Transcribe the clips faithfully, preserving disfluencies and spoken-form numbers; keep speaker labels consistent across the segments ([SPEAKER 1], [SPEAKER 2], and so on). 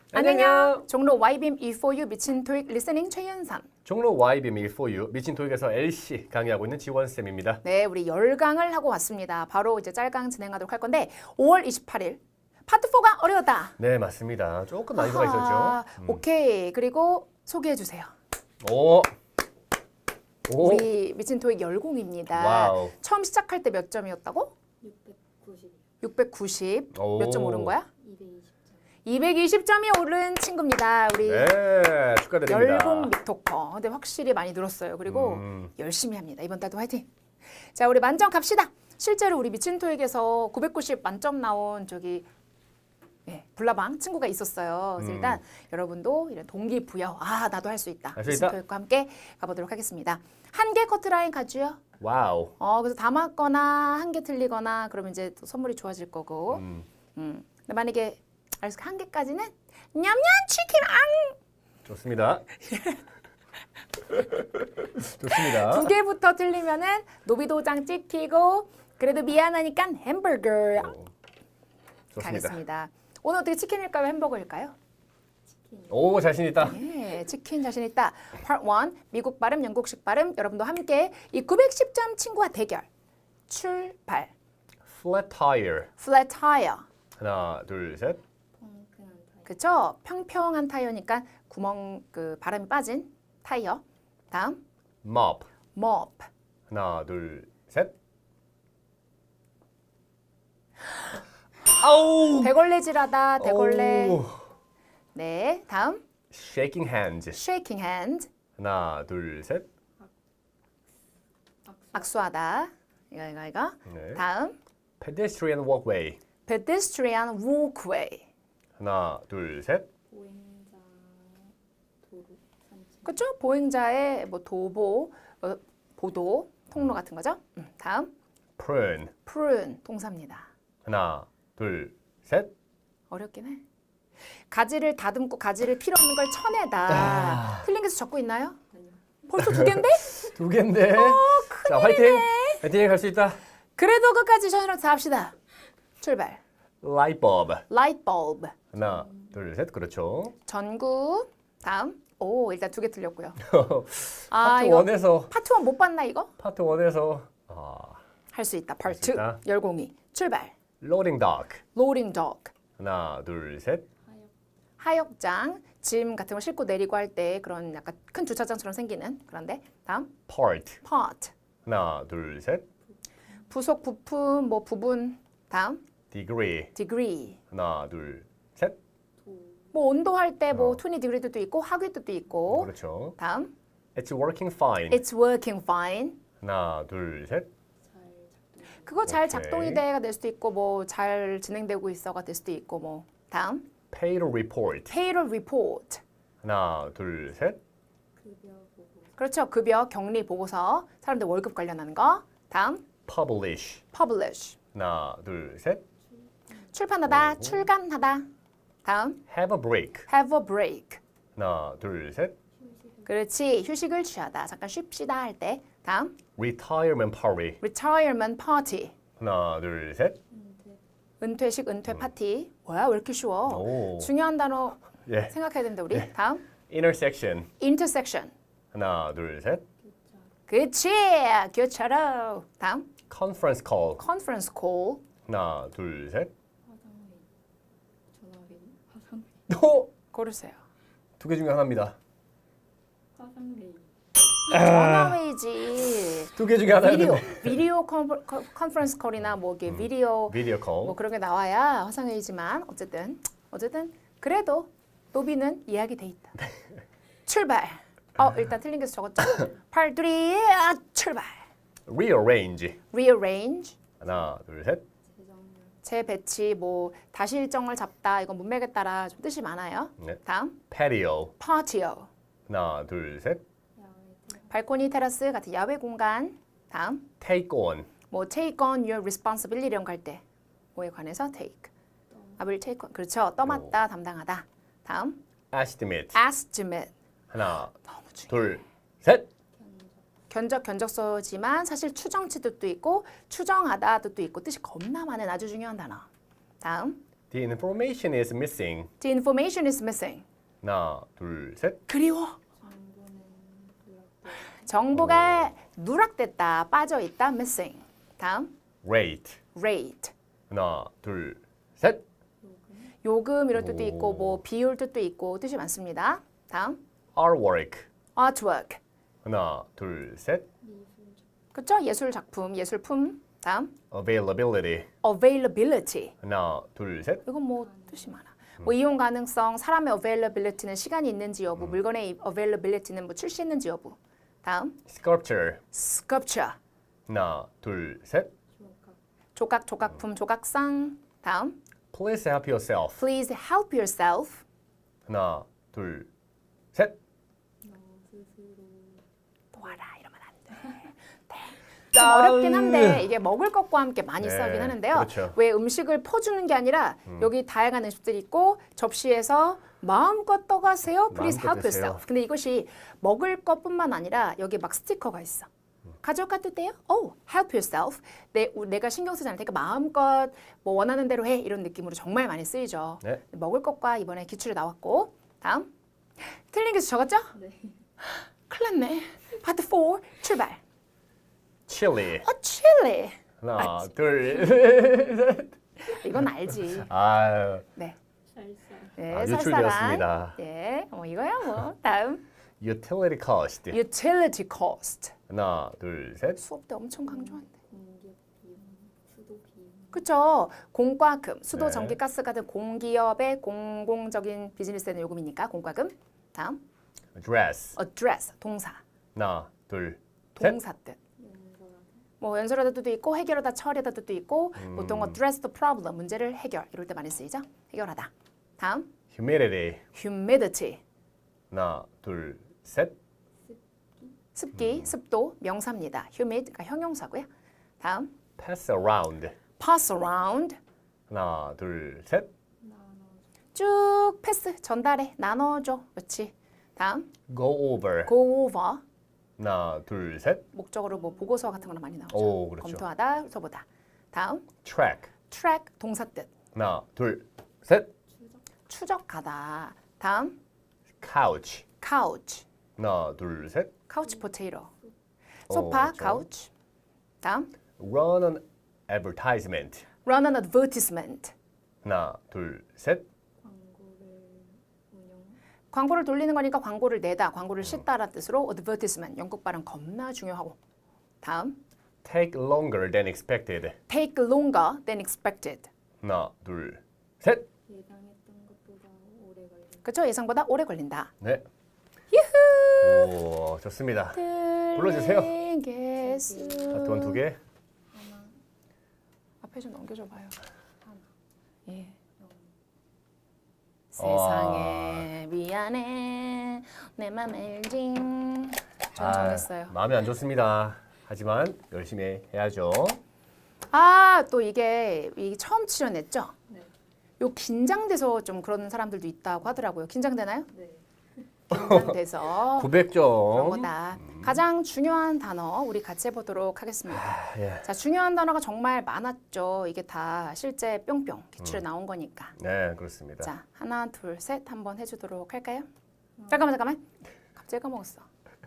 [SPEAKER 1] 안녕. 종로 와이빔 이포유 미친 토익 리스닝 최윤선.
[SPEAKER 2] 종로 와이빔 일포유 미친 토익에서 엘씨 강의하고 있는 지원쌤입니다.
[SPEAKER 1] 네, 우리 열 강을 하고 왔습니다. 바로 이제 짤강 진행하도록 할 건데 오월 이십팔일 파트 사가 어려웠다.
[SPEAKER 2] 네, 맞습니다. 조금 난이도가
[SPEAKER 1] 아하,
[SPEAKER 2] 있었죠. 음.
[SPEAKER 1] 오케이. 그리고 소개해 주세요.
[SPEAKER 2] 오. 오.
[SPEAKER 1] 우리 미친 토익 열공입니다.
[SPEAKER 2] 와우.
[SPEAKER 1] 처음 시작할 때 몇 점이었다고?
[SPEAKER 3] 육백구십.
[SPEAKER 1] 육백구십.
[SPEAKER 2] 오.
[SPEAKER 1] 몇 점 오른 거야?
[SPEAKER 3] 이백이십 점.
[SPEAKER 1] 이백이십 점이 오른 친구입니다. 우리
[SPEAKER 2] 네, 축하드립니다.
[SPEAKER 1] 열공 믹토커. 근데 확실히 많이 늘었어요. 그리고
[SPEAKER 2] 음.
[SPEAKER 1] 열심히 합니다. 이번 달도 화이팅. 자, 우리 만점 갑시다. 실제로 우리 미친 토익에서 구백구십 만점 나온 저기 예, 불나방 친구가 있었어요. 그래서
[SPEAKER 2] 음.
[SPEAKER 1] 일단 여러분도 이런 동기부여. 아, 나도 할 수 있다.
[SPEAKER 2] 할수
[SPEAKER 1] 미친
[SPEAKER 2] 있다.
[SPEAKER 1] 토익과 함께 가보도록 하겠습니다. 한 개 커트라인 가주요.
[SPEAKER 2] 와우.
[SPEAKER 1] 어, 그래서 다 맞거나 한 개 틀리거나 그러면 이제 또 선물이 좋아질 거고.
[SPEAKER 2] 음.
[SPEAKER 1] 음. 근데 만약에 알았어, 한 개까지는 냠냠 치킨 앙.
[SPEAKER 2] 좋습니다. 좋습니다.
[SPEAKER 1] 두 개부터 틀리면은 노비도장 찍히고 그래도 미안하니까 햄버거
[SPEAKER 2] 오, 좋습니다.
[SPEAKER 1] 가겠습니다. 오늘 어떻게 치킨일까요? 햄버거일까요?
[SPEAKER 3] 치킨.
[SPEAKER 2] 오, 자신 있다.
[SPEAKER 1] 예, 치킨 자신 있다. Part 일 미국 발음, 영국식 발음 여러분도 함께 이 구백십 점 친구와 대결. 출발.
[SPEAKER 2] Flat tire.
[SPEAKER 1] Flat tire.
[SPEAKER 2] 하나, 둘, 셋.
[SPEAKER 3] 펑크한 타입.
[SPEAKER 1] 그쵸? 평평한 타이어니까 구멍 그 바람이 빠진 타이어. 다음
[SPEAKER 2] Mop.
[SPEAKER 1] mop.
[SPEAKER 2] 하나, 둘, 셋. 아우.
[SPEAKER 1] 대걸레질하다. 대걸레.
[SPEAKER 2] 오.
[SPEAKER 1] 네, 다음
[SPEAKER 2] Shaking hands.
[SPEAKER 1] shaking hand.
[SPEAKER 2] 하나, 둘, 셋.
[SPEAKER 1] 악수하다. 이거 이거 이거.
[SPEAKER 2] 네.
[SPEAKER 1] 다음
[SPEAKER 2] Pedestrian walkway.
[SPEAKER 1] pedestrian walkway.
[SPEAKER 2] 하나, 둘, 셋.
[SPEAKER 3] 보행자 도로 산책.
[SPEAKER 1] 그렇죠? 보행자의 뭐 도보, 어, 보도, 통로 같은 거죠. 음, 다음
[SPEAKER 2] Prune.
[SPEAKER 1] prune 동사입니다.
[SPEAKER 2] 하나, 둘, 셋.
[SPEAKER 1] 어렵긴 해. 가지를 다듬고 가지를 필요 없는 걸 쳐내다.
[SPEAKER 2] 아.
[SPEAKER 1] 틀린 게서 적고 있나요?
[SPEAKER 3] 아니요.
[SPEAKER 1] 벌써 두 개인데?
[SPEAKER 2] 두 개인데. 자, 화이팅. 화이팅 할 수 있다.
[SPEAKER 1] 그래도 끝까지 저희랑 다 합시다. 출발.
[SPEAKER 2] Light bulb.
[SPEAKER 1] light bulb.
[SPEAKER 2] 하나, 둘, 셋. 그렇죠.
[SPEAKER 1] 전구. 다음. 오, 일단 두 개 틀렸고요. 아,
[SPEAKER 2] 파트
[SPEAKER 1] 이거
[SPEAKER 2] 원에서
[SPEAKER 1] 파트 일 못 봤나 이거?
[SPEAKER 2] 파트 원에서 아,
[SPEAKER 1] 할 수 있다.
[SPEAKER 2] 수
[SPEAKER 1] 파트
[SPEAKER 2] 있다.
[SPEAKER 1] 열공이. 출발.
[SPEAKER 2] loading dock.
[SPEAKER 1] loading dock.
[SPEAKER 2] 하나, 둘, 셋.
[SPEAKER 3] 하역.
[SPEAKER 1] 하역장, 짐 같은 거 싣고 내리고 할 때 그런 약간 큰 주차장처럼 생기는 그런데 다음
[SPEAKER 2] part.
[SPEAKER 1] part,
[SPEAKER 2] 하나, 둘, 셋.
[SPEAKER 1] 부속 부품 뭐 부분 다음
[SPEAKER 2] degree.
[SPEAKER 1] degree,
[SPEAKER 2] 하나, 둘, 셋.
[SPEAKER 3] 도.
[SPEAKER 1] 뭐 온도 할 때 뭐
[SPEAKER 2] 어.
[SPEAKER 1] 이십 degree도 있고 하위도 있고
[SPEAKER 2] 그렇죠.
[SPEAKER 1] 다음
[SPEAKER 2] It's working fine.
[SPEAKER 1] it's working fine.
[SPEAKER 2] 하나, 둘, 셋.
[SPEAKER 3] 잘 작동.
[SPEAKER 1] 그거 잘
[SPEAKER 2] 오케이.
[SPEAKER 1] 작동이 돼가 될 수도 있고 뭐 잘 진행되고 있어가 될 수도 있고 뭐 다음
[SPEAKER 2] payroll report.
[SPEAKER 1] payroll report.
[SPEAKER 2] 하나, 둘, 셋.
[SPEAKER 3] 급여 보고.
[SPEAKER 1] 그렇죠. 급여 격리 보고서 사람들 월급 관련하는 거. 다음
[SPEAKER 2] publish.
[SPEAKER 1] publish.
[SPEAKER 2] 하나, 둘, 셋.
[SPEAKER 1] 출판하다,
[SPEAKER 2] 오.
[SPEAKER 1] 출간하다. 다음
[SPEAKER 2] have a break.
[SPEAKER 1] have a break.
[SPEAKER 2] 하나, 둘, 셋.
[SPEAKER 3] 휴식을.
[SPEAKER 1] 그렇지. 휴식을 취하다. 잠깐 쉽시다 할 때. 다음
[SPEAKER 2] retirement party.
[SPEAKER 1] retirement party.
[SPEAKER 2] 하나, 둘, 셋.
[SPEAKER 3] 은퇴.
[SPEAKER 1] 은퇴식 은퇴 파티. 뭐야? 왜 이렇게 쉬워?
[SPEAKER 2] 오.
[SPEAKER 1] 중요한 단어
[SPEAKER 2] 예.
[SPEAKER 1] 생각해야 된다 우리. 다음
[SPEAKER 2] intersection.
[SPEAKER 1] intersection.
[SPEAKER 2] 하나, 둘, 셋.
[SPEAKER 3] 교차.
[SPEAKER 1] 그렇지. 교차로. 다음
[SPEAKER 2] conference call.
[SPEAKER 1] conference call.
[SPEAKER 2] 하나, 둘, 셋.
[SPEAKER 3] 화상회의. 전화회의. 화상회의.
[SPEAKER 2] 또
[SPEAKER 1] 고르세요.
[SPEAKER 2] 두 개 중에 하나입니다.
[SPEAKER 3] 화상회의.
[SPEAKER 1] 전화회의지.
[SPEAKER 2] 두 개 중에 하나였는데.
[SPEAKER 1] 비디오 비디오 컨퍼- 컨- 컨퍼런스 콜이나 뭐 이게 비디오
[SPEAKER 2] 비디오 콜.
[SPEAKER 1] 뭐 그런 게 나와야 화상회의지만 어쨌든 어쨌든 그래도 노비는 예약이 돼 있다. 출발. 어 일단 틀린 게서 적었죠. 팔들이 아, 출발.
[SPEAKER 2] rearrange.
[SPEAKER 1] rearrange.
[SPEAKER 2] 하나, 둘, 셋.
[SPEAKER 3] 재정렬.
[SPEAKER 1] 재배치 뭐 다시 일정을 잡다 이건 문맥에 따라 좀 뜻이 많아요.
[SPEAKER 2] 네.
[SPEAKER 1] 다음
[SPEAKER 2] patio.
[SPEAKER 1] patio.
[SPEAKER 2] 하나, 둘, 셋.
[SPEAKER 3] 야외 테라.
[SPEAKER 1] 발코니 테라스 같은 야외 공간. 다음
[SPEAKER 2] take on.
[SPEAKER 1] 뭐 take on your responsibility 이런 거 할 때 뭐에 관해서 take. I will take on. 그렇죠. 떠맡다 담당하다. 다음
[SPEAKER 2] estimate.
[SPEAKER 1] estimate.
[SPEAKER 2] 하나,
[SPEAKER 1] 너무 중요해.
[SPEAKER 2] 둘, 셋.
[SPEAKER 1] 견적
[SPEAKER 3] 견적.
[SPEAKER 1] 견적서지만 사실 추정치 뜻도 있고 추정하다 뜻도 있고 뜻이 겁나 많은 아주 중요한 단어. 다음
[SPEAKER 2] The information is missing.
[SPEAKER 1] The information is missing.
[SPEAKER 2] 하나, 둘, 셋.
[SPEAKER 1] 그리워.
[SPEAKER 3] 정보는 누락돼.
[SPEAKER 1] 정보가 누락됐다, 빠져 있다, missing. 다음,
[SPEAKER 2] Rate.
[SPEAKER 1] rate.
[SPEAKER 2] 하나, 둘, 셋.
[SPEAKER 1] 요금 이런 뜻도
[SPEAKER 2] 오.
[SPEAKER 1] 있고 뭐 비율 뜻도 있고 뜻이 많습니다. 다음,
[SPEAKER 2] Artwork.
[SPEAKER 1] artwork.
[SPEAKER 2] 하나, 둘, 셋.
[SPEAKER 3] 미술적.
[SPEAKER 1] 그렇죠? 예술 작품, 예술품. 다음,
[SPEAKER 2] Availability.
[SPEAKER 1] availability.
[SPEAKER 2] 하나, 둘, 셋.
[SPEAKER 1] 이건 뭐 뜻이 많아. 뭐 이용 가능성, 사람의 availability는 시간이 있는지 여부, 물건의 availability는 뭐 출시했는지 여부. 다음,
[SPEAKER 2] Sculpture.
[SPEAKER 1] sculpture.
[SPEAKER 2] 하나, 둘, 셋.
[SPEAKER 3] 조각.
[SPEAKER 1] 조각, 조각품, 조각상. 다음,
[SPEAKER 2] Please help yourself.
[SPEAKER 1] please help yourself.
[SPEAKER 2] 하나, 둘, 셋.
[SPEAKER 3] 너 스스로.
[SPEAKER 1] 도와라 이러면 안 돼. 네. 좀 어렵긴 한데 이게 먹을 것과 함께 많이
[SPEAKER 2] 네,
[SPEAKER 1] 쓰긴 하는데요.
[SPEAKER 2] 그렇죠.
[SPEAKER 1] 왜 음식을 퍼주는 게 아니라 여기 다양한 음식들이 있고 접시에서 마음껏 떠가세요. Please
[SPEAKER 2] 마음껏
[SPEAKER 1] help
[SPEAKER 2] 드세요.
[SPEAKER 1] yourself. 근데 이것이 먹을 것뿐만 아니라 여기 막 스티커가 있어. 가져가도 돼요? Oh, help yourself. 내, 내가 신경 쓰지 않을 테니까 마음껏 뭐 원하는 대로 해. 이런 느낌으로 정말 많이 쓰이죠.
[SPEAKER 2] 네.
[SPEAKER 1] 먹을 것과 이번에 기출이 나왔고 다음 틀린 게 적었죠?
[SPEAKER 3] 네.
[SPEAKER 1] 큰일 났네. 파트 사 출발.
[SPEAKER 2] Chili.
[SPEAKER 1] 어, 칠리.
[SPEAKER 2] 하나, 둘, 셋.
[SPEAKER 1] 이건 알지.
[SPEAKER 2] 아유,
[SPEAKER 1] 네.
[SPEAKER 3] 쌀쌀.
[SPEAKER 1] 네,
[SPEAKER 2] 아,
[SPEAKER 1] 쌀쌀한.
[SPEAKER 2] 유출되었습니다.
[SPEAKER 1] 네, 뭐 이거야 뭐. 다음.
[SPEAKER 2] Utility cost.
[SPEAKER 1] utility cost.
[SPEAKER 2] 하나, 둘, 셋.
[SPEAKER 1] 수업 때 엄청 강조한대.
[SPEAKER 3] 공기업 비용. 수도 비용.
[SPEAKER 1] 그렇죠. 공과금, 수도,
[SPEAKER 2] 네.
[SPEAKER 1] 전기, 가스 같은 공기업의 공공적인 비즈니스에 대한 요금이니까 공과금. 다음.
[SPEAKER 2] Dress.
[SPEAKER 1] address, 동사.
[SPEAKER 2] 하나, 둘, 셋.
[SPEAKER 1] 동사 뜻.
[SPEAKER 3] 연설하다.
[SPEAKER 1] 뭐 연설하다 뜻도 있고 해결하다, 처리하다 뜻도 있고
[SPEAKER 2] 음.
[SPEAKER 1] 보통 address the problem, 문제를 해결 이럴 때 많이 쓰이죠. 해결하다. 다음.
[SPEAKER 2] Humidity.
[SPEAKER 1] humidity.
[SPEAKER 2] 하나, 둘, 셋.
[SPEAKER 1] 습기,
[SPEAKER 2] 음.
[SPEAKER 1] 습도, 명사입니다. humid, 그러니까 형용사고요. 다음,
[SPEAKER 2] Pass around.
[SPEAKER 1] pass around.
[SPEAKER 2] 하나, 둘, 셋.
[SPEAKER 3] 나눠.
[SPEAKER 1] 쭉 패스, 전달해, 나눠줘. 그렇지. 다음,
[SPEAKER 2] Go over.
[SPEAKER 1] go over.
[SPEAKER 2] 하나, 둘, 셋.
[SPEAKER 1] 목적으로 뭐 보고서 같은 거나 많이 나오죠.
[SPEAKER 2] 오, 그렇죠.
[SPEAKER 1] 검토하다, 훑어보다. 다음,
[SPEAKER 2] Track.
[SPEAKER 1] track, 동사 뜻.
[SPEAKER 2] 하나, 둘, 셋.
[SPEAKER 1] 추적하다. 다음,
[SPEAKER 2] Couch.
[SPEAKER 1] couch.
[SPEAKER 2] 하나, 둘, 셋.
[SPEAKER 1] couch potato.
[SPEAKER 2] 오,
[SPEAKER 1] 소파,
[SPEAKER 2] 그렇죠.
[SPEAKER 1] couch. 다음,
[SPEAKER 2] Run an advertisement.
[SPEAKER 1] run an advertisement.
[SPEAKER 2] 하나, 둘, 셋.
[SPEAKER 3] 광고를 운영.
[SPEAKER 1] 광고를 돌리는 거니까 광고를 내다, 광고를 싣다라는 뜻으로 advertisement. 영국 발음 겁나 중요하고. 다음,
[SPEAKER 2] Take longer than expected.
[SPEAKER 1] take longer than expected.
[SPEAKER 2] 하나, 둘, 셋.
[SPEAKER 3] 예상했던 것보다 오래 걸린.
[SPEAKER 1] 그렇죠? 예상보다 오래 걸린다.
[SPEAKER 2] 네. 오, 좋습니다.
[SPEAKER 1] 불러주세요.
[SPEAKER 2] 파트 일 두 개.
[SPEAKER 3] 하나.
[SPEAKER 1] 앞에 좀 넘겨줘 봐요.
[SPEAKER 3] 하나.
[SPEAKER 1] 예.
[SPEAKER 3] 영.
[SPEAKER 1] 세상에 미안해 내 맘 알지. 전 정했어요.
[SPEAKER 2] 마음이 안 좋습니다. 하지만 열심히 해야죠.
[SPEAKER 1] 아, 또 이게, 이게 처음 출연했죠?
[SPEAKER 3] 네.
[SPEAKER 1] 요 긴장돼서 좀 그런 사람들도 있다고 하더라고요. 긴장되나요?
[SPEAKER 3] 네.
[SPEAKER 1] 긴장돼서
[SPEAKER 2] 구백 점.
[SPEAKER 1] 그런 거다. 가장 중요한 단어 우리 같이 해보도록 하겠습니다.
[SPEAKER 2] 아, 예.
[SPEAKER 1] 자, 중요한 단어가 정말 많았죠. 이게 다 실제 뿅뿅 기출에 나온 거니까.
[SPEAKER 2] 네, 그렇습니다.
[SPEAKER 1] 자, 하나, 둘, 셋 한번 해주도록 할까요? 잠깐만, 잠깐만. 갑자기 까먹었어.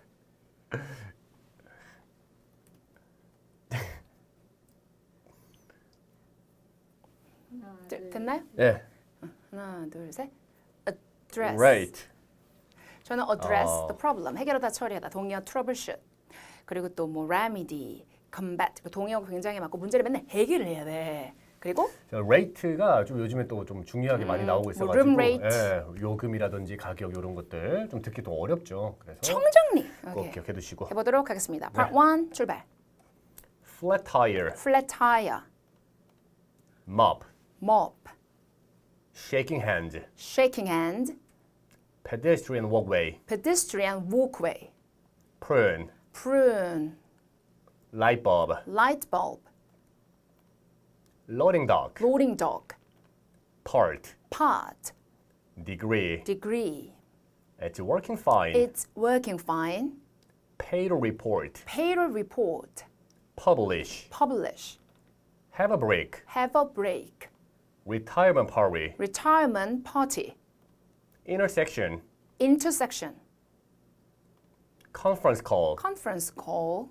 [SPEAKER 3] 하나.
[SPEAKER 1] 되-
[SPEAKER 3] 둘,
[SPEAKER 1] 됐나요?
[SPEAKER 2] 네.
[SPEAKER 1] 하나, 둘, 셋. address.
[SPEAKER 2] Right.
[SPEAKER 1] 저는 address
[SPEAKER 2] 어.
[SPEAKER 1] the problem, 해결하다, 처리하다. 동의어 troubleshoot. 그리고 또 뭐 remedy, combat. 그 동의어가 굉장히 많고 문제를 맨날 해결을 해야 돼. 그리고
[SPEAKER 2] 자, rate가 좀 요즘에 또 좀 중요하게 많이 나오고
[SPEAKER 1] 뭐
[SPEAKER 2] 있어가지고
[SPEAKER 1] room rate.
[SPEAKER 2] 예, 요금이라든지 가격 이런 것들 좀 듣기 또 어렵죠. 그래서
[SPEAKER 1] 총정리.
[SPEAKER 2] 꼭
[SPEAKER 1] 오케이.
[SPEAKER 2] 기억해 두시고.
[SPEAKER 1] 해보도록 하겠습니다. Part
[SPEAKER 2] 네.
[SPEAKER 1] 원 출발.
[SPEAKER 2] Flat tire,
[SPEAKER 1] flat tire,
[SPEAKER 2] mop,
[SPEAKER 1] mop,
[SPEAKER 2] shaking hand,
[SPEAKER 1] shaking hand,
[SPEAKER 2] pedestrian walkway,
[SPEAKER 1] pedestrian walkway,
[SPEAKER 2] prune,
[SPEAKER 1] prune,
[SPEAKER 2] light bulb,
[SPEAKER 1] light bulb,
[SPEAKER 2] loading dock,
[SPEAKER 1] loading dock,
[SPEAKER 2] part,
[SPEAKER 1] part,
[SPEAKER 2] degree,
[SPEAKER 1] degree.
[SPEAKER 2] it's working fine,
[SPEAKER 1] It's working fine.
[SPEAKER 2] payroll report,
[SPEAKER 1] Payroll report,
[SPEAKER 2] publish,
[SPEAKER 1] publish,
[SPEAKER 2] have a break,
[SPEAKER 1] have a break,
[SPEAKER 2] retirement party,
[SPEAKER 1] retirement party,
[SPEAKER 2] intersection,
[SPEAKER 1] intersection,
[SPEAKER 2] conference call,
[SPEAKER 1] conference call,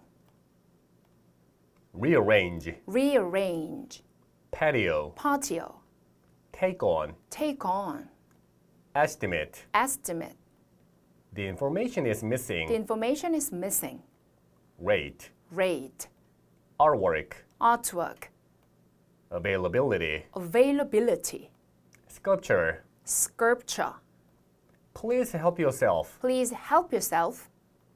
[SPEAKER 2] rearrange,
[SPEAKER 1] rearrange,
[SPEAKER 2] patio,
[SPEAKER 1] patio,
[SPEAKER 2] take on,
[SPEAKER 1] take on,
[SPEAKER 2] estimate.
[SPEAKER 1] estimate.
[SPEAKER 2] The information is
[SPEAKER 1] The
[SPEAKER 2] missing.
[SPEAKER 1] information is missing.
[SPEAKER 2] Rate,
[SPEAKER 1] Rate,
[SPEAKER 2] artwork,
[SPEAKER 1] artwork,
[SPEAKER 2] availability,
[SPEAKER 1] availability,
[SPEAKER 2] sculpture.
[SPEAKER 1] sculpture.
[SPEAKER 2] Please help yourself.
[SPEAKER 1] Please help yourself.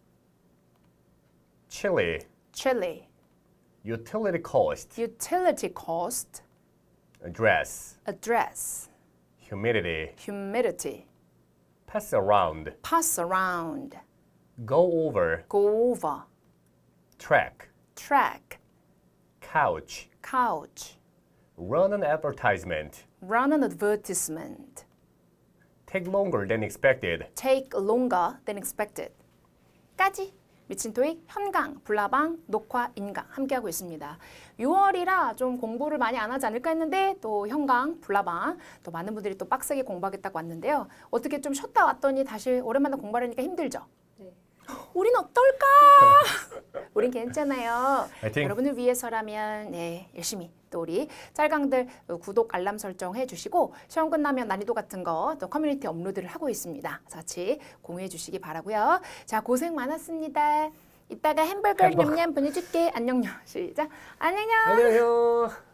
[SPEAKER 2] Chili,
[SPEAKER 1] Chili,
[SPEAKER 2] utility cost,
[SPEAKER 1] utility cost,
[SPEAKER 2] address,
[SPEAKER 1] address,
[SPEAKER 2] humidity,
[SPEAKER 1] humidity,
[SPEAKER 2] pass around,
[SPEAKER 1] pass around,
[SPEAKER 2] go over,
[SPEAKER 1] go over,
[SPEAKER 2] track,
[SPEAKER 1] track,
[SPEAKER 2] couch,
[SPEAKER 1] couch,
[SPEAKER 2] run an advertisement,
[SPEAKER 1] run an advertisement,
[SPEAKER 2] take longer than expected.
[SPEAKER 1] take longer than expected. 까지 미친 토익 현강, 불나방, 녹화, 인강 함께하고 있습니다. 유월이라 좀 공부를 많이 안 하지 않을까 했는데 또 현강, 불나방 또 많은 분들이 또 빡세게 공부하겠다고 왔는데요. 어떻게 좀 쉬었다 왔더니 다시 오랜만에 공부하려니까 힘들죠?
[SPEAKER 3] 네.
[SPEAKER 1] 우린 어떨까? 우린 괜찮아요.
[SPEAKER 2] 화이팅!
[SPEAKER 1] 여러분을 위해서라면 네, 열심히 또 우리 짤강들 구독 알람 설정 해주시고 시험 끝나면 난이도 같은 거 또 커뮤니티 업로드를 하고 있습니다. 같이 공유해 주시기 바라고요. 자 고생 많았습니다. 이따가 햄버거
[SPEAKER 2] 햄버거.
[SPEAKER 1] 냠냠 보내줄게. 안녕요. 시작. 안녕요.
[SPEAKER 2] 안녕하세요.